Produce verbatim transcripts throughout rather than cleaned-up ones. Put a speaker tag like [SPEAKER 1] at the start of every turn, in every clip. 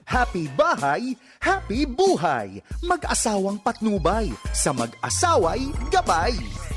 [SPEAKER 1] Happy bahay, happy buhay. Mag-asawang patnubay, sa mag-asaway gabay.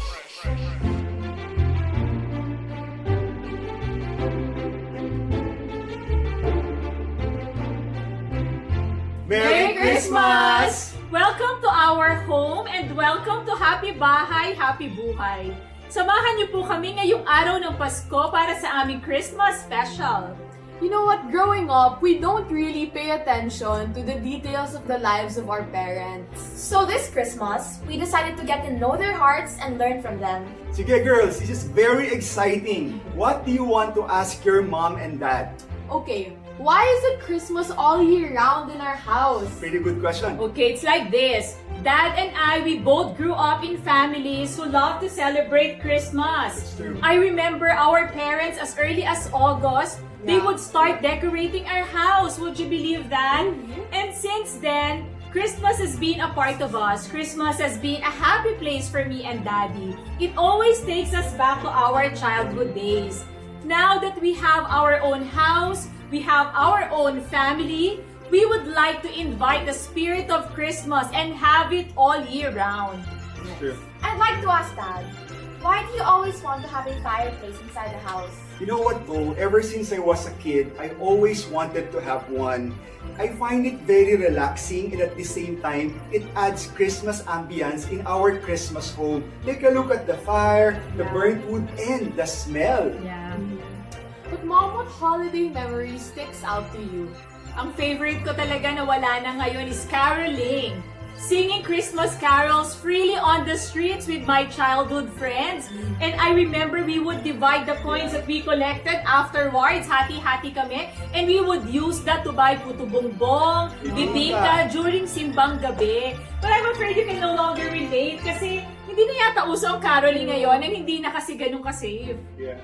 [SPEAKER 2] Merry Christmas!
[SPEAKER 3] Welcome to our home and welcome to Happy Bahay, Happy Buhay. Samahan niyo po kami ngayong araw ng Pasko para sa aming Christmas special.
[SPEAKER 2] You know what, growing up, we don't really pay attention to the details of the lives of our parents.
[SPEAKER 4] So this Christmas, we decided to get to know their hearts and learn from them.
[SPEAKER 5] Sige girls, this is very exciting. What do you want to ask your mom and dad?
[SPEAKER 2] Okay, why is it Christmas all year round in our house?
[SPEAKER 5] Pretty good question.
[SPEAKER 3] Okay, it's like this. Dad and I, we both grew up in families who love to celebrate Christmas.
[SPEAKER 5] That's true.
[SPEAKER 3] I remember our parents as early as August, they
[SPEAKER 2] Yeah.
[SPEAKER 3] would start decorating our house. Would you believe that?
[SPEAKER 2] Mhm.
[SPEAKER 3] And since then, Christmas has been a part of us. Christmas has been a happy place for me and Daddy. It always takes us back to our childhood days. Now that we have our own house, we have our own family, we would like to invite the spirit of Christmas and have it all year round.
[SPEAKER 5] True.
[SPEAKER 4] I'd like to ask Dad, why do you always want to have a fireplace inside the house?
[SPEAKER 5] You know what, Bo? Ever since I was a kid, I always wanted to have one. I find it very relaxing and at the same time, it adds Christmas ambience in our Christmas home. Take a look at the fire, the
[SPEAKER 3] Yeah.
[SPEAKER 5] burnt wood, and the smell.
[SPEAKER 3] Yeah.
[SPEAKER 2] But Mom, what holiday memory sticks out to you?
[SPEAKER 3] Ang favorite ko talaga na wala na ngayon is caroling. Singing Christmas carols freely on the streets with my childhood friends. And I remember we would divide the coins that we collected afterwards. Hati-hati kami. And we would use that to buy puto bongbong, bibingka during simbang gabi. But I'm afraid you can no longer relate kasi hindi na yata uso ang caroling ngayon and hindi na kasi ganun ka-safe.
[SPEAKER 5] Yeah.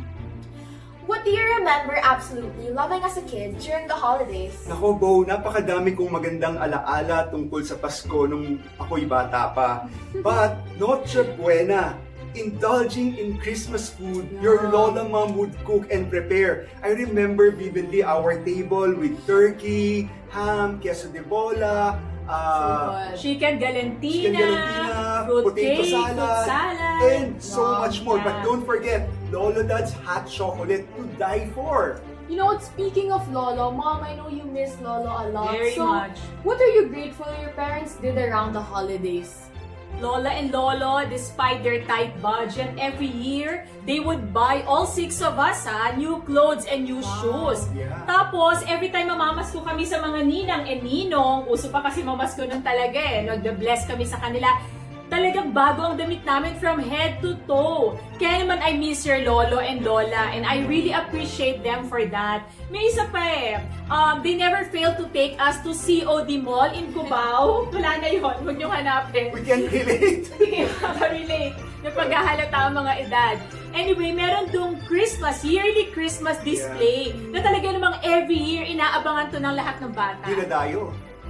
[SPEAKER 4] What do you remember absolutely loving as a kid during the holidays?
[SPEAKER 5] Nako, Bo, napakadami kong magandang alaala tungkol sa Pasko nung ako'y bata pa. But, Noche Buena, indulging in Christmas food your lola mom would cook and prepare. I remember vividly our table with turkey, ham, queso de bola, uh,
[SPEAKER 3] Chicken galantina,
[SPEAKER 5] chicken galantina,
[SPEAKER 3] fruit
[SPEAKER 5] potato
[SPEAKER 3] cake,
[SPEAKER 5] salad,
[SPEAKER 3] fruit salad,
[SPEAKER 5] and so
[SPEAKER 3] Wow,
[SPEAKER 5] much more.
[SPEAKER 3] yeah.
[SPEAKER 5] But don't forget, Lolo Dad's hot chocolate to die for.
[SPEAKER 2] You know what, speaking of Lolo, Mom, I know you miss Lolo a lot.
[SPEAKER 3] Very
[SPEAKER 2] so,
[SPEAKER 3] much.
[SPEAKER 2] what are you grateful your parents did around the holidays?
[SPEAKER 3] Lola and Lolo, despite their tight budget, every year, they would buy all six of us ha, new clothes and new shoes.
[SPEAKER 5] Yeah.
[SPEAKER 3] Tapos, every time mamamasko kami sa mga ninang and ninong, uso pa kasi mamasko nun talaga eh, nag-bless kami sa kanila, talagang bago ang damit namin from head to toe. Kaya naman I miss your lolo and lola and I really appreciate them for that. May isa pa eh, um, they never fail to take us to C O D Mall in Cubao. Wala na yun, huwag niyong hanapin.
[SPEAKER 5] We can relate.
[SPEAKER 3] Hindi makaka-relate na paghahalata ang mga edad. Anyway, meron dong Christmas, yearly Christmas display na talaga namang every year inaabangan to ng lahat ng bata.
[SPEAKER 5] Dinadayo.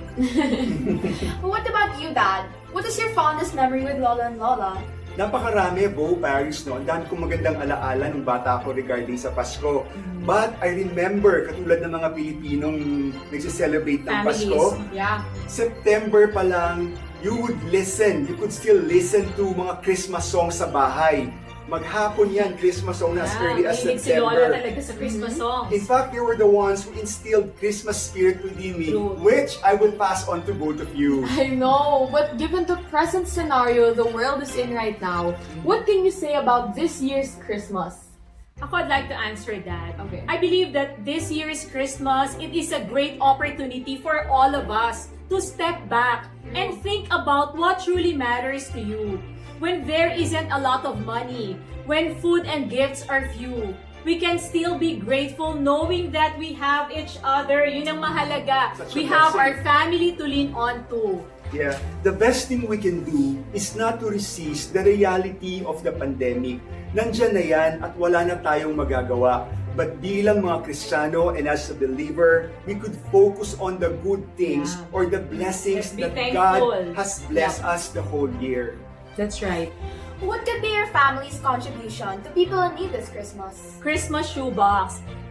[SPEAKER 4] What about you, Dad? What is your fondest memory with Lola and Lola?
[SPEAKER 5] Napakarami, Bo, Paris, no? Ang dami kong magandang alaala nung bata ako regarding sa Pasko. But I remember, katulad ng mga Pilipinong nagsiselebrate ng
[SPEAKER 3] Families.
[SPEAKER 5] Pasko,
[SPEAKER 3] Yeah.
[SPEAKER 5] September pa lang, you would listen, you could still listen to mga Christmas songs sa bahay. Maghapon yan, Christmas song na as early as
[SPEAKER 3] mahilig si Lola
[SPEAKER 5] September.
[SPEAKER 3] talaga sa Christmas songs.
[SPEAKER 5] In fact, they were the ones who instilled Christmas spirit within me,
[SPEAKER 3] True.
[SPEAKER 5] which I will pass on to both of you.
[SPEAKER 2] I know, but given the present scenario the world is in right now, what can you say about this year's Christmas?
[SPEAKER 3] Ako, I'd like to answer that.
[SPEAKER 2] Okay.
[SPEAKER 3] I believe that this year's Christmas, it is a great opportunity for all of us to step back and think about what truly matters to you. When there isn't a lot of money, when food and gifts are few, we can still be grateful knowing that we have each other. Yun ang mahalaga.
[SPEAKER 5] Such a
[SPEAKER 3] We have
[SPEAKER 5] blessing.
[SPEAKER 3] our family to lean on to.
[SPEAKER 5] Yeah, the best thing we can do is not to resist the reality of the pandemic. Nandyan na yan at wala na tayong magagawa. But bilang mga Kristiyano and as a believer, we could focus on the good things
[SPEAKER 3] Yeah.
[SPEAKER 5] or the blessings
[SPEAKER 3] Let's be
[SPEAKER 5] that
[SPEAKER 3] thankful.
[SPEAKER 5] God has blessed us the whole year.
[SPEAKER 3] That's right.
[SPEAKER 4] What could be your family's contribution to people in need this Christmas?
[SPEAKER 3] Christmas shoebox.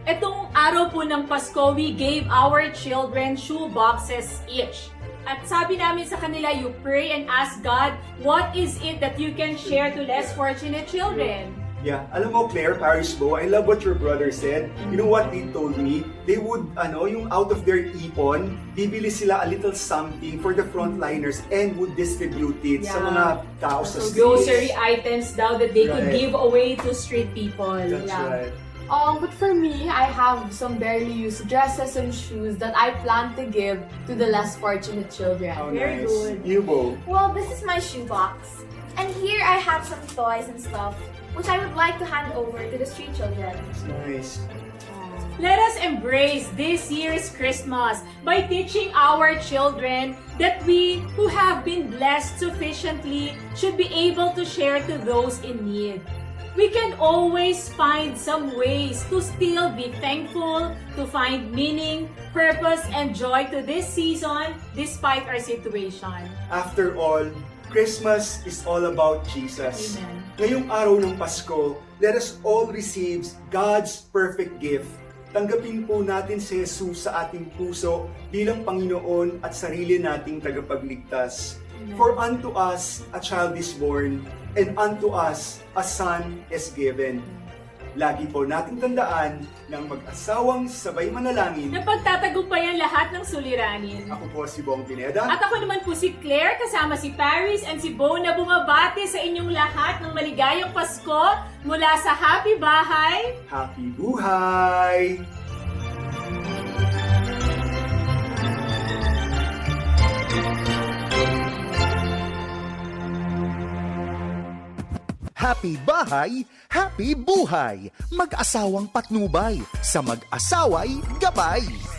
[SPEAKER 3] Etong araw po ng Pasko, we gave our children shoe boxes each. At sabi namin sa kanila, you pray and ask God, what is it that you can share to less fortunate children?
[SPEAKER 5] Yeah, alam mo Claire, Paris Bo, I love what your brother said. You know what they told me? They would, ano, yung out of their ipon, bibili sila a little something for the frontliners and would distribute it sa
[SPEAKER 3] Yeah.
[SPEAKER 5] mga tao sa
[SPEAKER 3] So
[SPEAKER 5] streets.
[SPEAKER 3] grocery items daw that they could
[SPEAKER 5] Right.
[SPEAKER 3] give away to street people.
[SPEAKER 5] That's
[SPEAKER 2] Yeah.
[SPEAKER 5] right.
[SPEAKER 2] Um, but for me, I have some barely used dresses and shoes that I plan to give to the less fortunate children.
[SPEAKER 5] How
[SPEAKER 3] Very
[SPEAKER 5] nice.
[SPEAKER 3] good.
[SPEAKER 5] You, Bo.
[SPEAKER 4] Well, this is my shoebox. And here I have some toys and stuff, which I would like to hand over to the street children.
[SPEAKER 5] It's nice.
[SPEAKER 3] Let us embrace this year's Christmas by teaching our children that we who have been blessed sufficiently should be able to share to those in need. We can always find some ways to still be thankful, to find meaning, purpose, and joy to this season despite our situation.
[SPEAKER 5] After all, Christmas is all about Jesus.
[SPEAKER 3] Amen.
[SPEAKER 5] Ngayong araw ng Pasko, let us all receive God's perfect gift. Tanggapin po natin si Jesus sa ating puso bilang Panginoon at sarili nating tagapagligtas. For unto us a child is born, and unto us a son is given. Lagi po nating tandaan ng mag-asawang sabay manalangin.
[SPEAKER 3] Na pagtatagumpayan lahat ng suliranin.
[SPEAKER 5] Ako po si Bong Pineda.
[SPEAKER 3] At ako naman po si Claire, kasama si Paris and si Bo na bumabati sa inyong lahat ng maligayang Pasko mula sa Happy Bahay.
[SPEAKER 5] Happy Buhay!
[SPEAKER 1] Happy bahay, happy buhay. Mag-asawang patnubay, sa mag-asaway gabay.